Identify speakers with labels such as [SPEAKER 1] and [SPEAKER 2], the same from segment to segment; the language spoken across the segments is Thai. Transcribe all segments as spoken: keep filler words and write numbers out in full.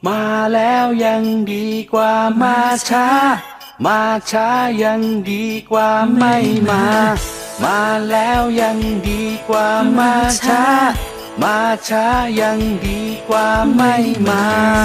[SPEAKER 1] มาแล้วยังดีกว่ามาช้ามาช้ายังดีกว่าไม่มามาแล้วยังดีกว่ามาช้ามาช้ายังดีกว่าไม่มา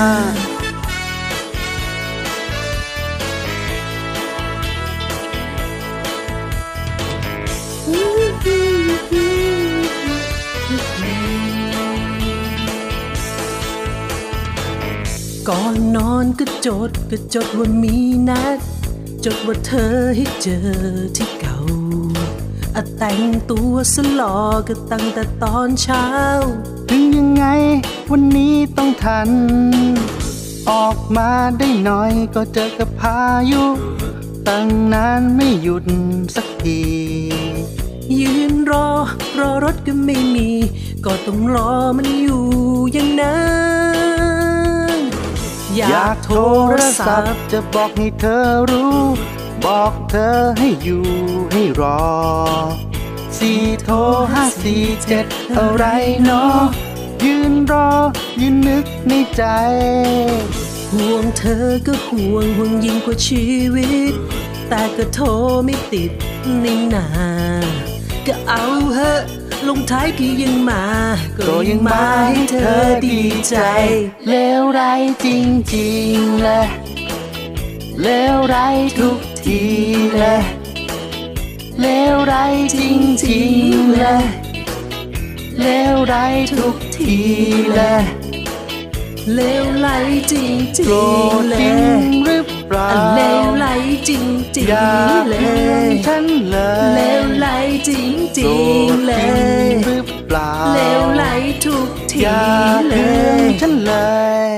[SPEAKER 2] ก่อนนอนก็จดก็จดว่ามีนัดจดว่าเธอให้เจอที่เก่าอะแต่งตัวสลอก็ตั้งแต่ตอนเช้า
[SPEAKER 1] ถึงยังไงวันนี้ต้องทันออกมาได้หน่อยก็เจอกับพายุตั้งนานไม่หยุดสักที
[SPEAKER 2] ยืนรอรอรถก็ไม่มีก็ต้องรอมันอยู่อย่างนั้น
[SPEAKER 1] อยากโทรศัพท์จะบอกให้เธอรู้บอกเธอให้อยู่ให้รอสี่โทรห้าสี่เจ็ดอะไรเนาะยืนรอยืนนึกในใจ
[SPEAKER 2] ห่วงเธอก็ห่วงห่วงยิ่งกว่าชีวิตแต่ก็โทรไม่ติดนี่นาก็เอาเหอะลงท้ายก็ยังมาก็ยังมาให้เธอดีใจ
[SPEAKER 1] เลวร้ายจริงๆแหละเลวร้ายทุกทีแหละเลวร้ายจริงๆแหละเลวร้ายทุกทีแหละ
[SPEAKER 2] เลวไหลจริงจริง
[SPEAKER 1] เลยหรือเปล่า
[SPEAKER 2] เลวไหลจริงจริงเลย
[SPEAKER 1] ฉันเลย
[SPEAKER 2] เลวไหลจริงจริงเลย
[SPEAKER 1] หรือเปล่า
[SPEAKER 2] เลวไหลทุกที
[SPEAKER 1] เลยฉันเลย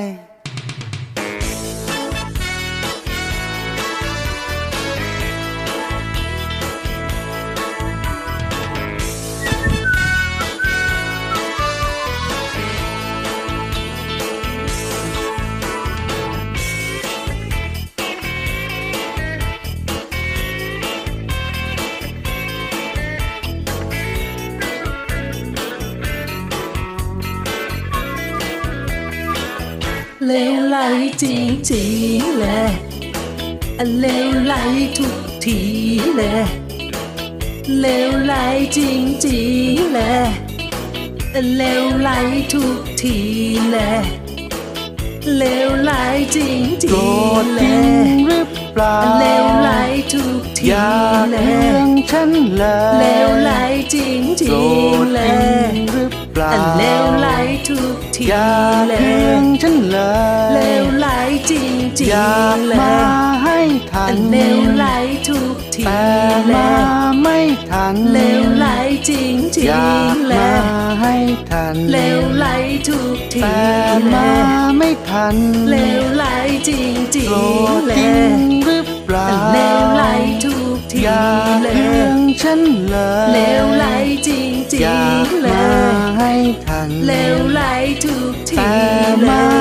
[SPEAKER 2] เลวไหลจริงจริงเลยเลวไหลทุกทีเลยเลวไหลจริงจริงเลยเลวไหลทุกทีเลยเลวไหลจริงจริงเลย
[SPEAKER 1] หรือเปล่า
[SPEAKER 2] เลวไหลทุกทีเลย
[SPEAKER 1] ฉันเลย
[SPEAKER 2] เลวไหลจริงจริงเลย
[SPEAKER 1] หรือเปล่า
[SPEAKER 2] เลวไหลทุกที
[SPEAKER 1] เลยฉันเลย
[SPEAKER 2] เลวไหลจริงจริง
[SPEAKER 1] เลยมาให้ทัน
[SPEAKER 2] เลวไหลทุกที
[SPEAKER 1] แต่มาไม่ทัน
[SPEAKER 2] เลวไหลจริงจริง
[SPEAKER 1] เลยมาให้ทัน
[SPEAKER 2] เลวไหลทุกที
[SPEAKER 1] แต่มาไม่ทัน
[SPEAKER 2] เลวไหลจริงจริงเลย
[SPEAKER 1] หรือเปล่า
[SPEAKER 2] เลวไหลทุกที
[SPEAKER 1] เลยฉันเลย
[SPEAKER 2] เลวไหลจริงจริงเลย
[SPEAKER 1] ให้ทัน
[SPEAKER 2] เลวไหลทุกที
[SPEAKER 1] แต่มา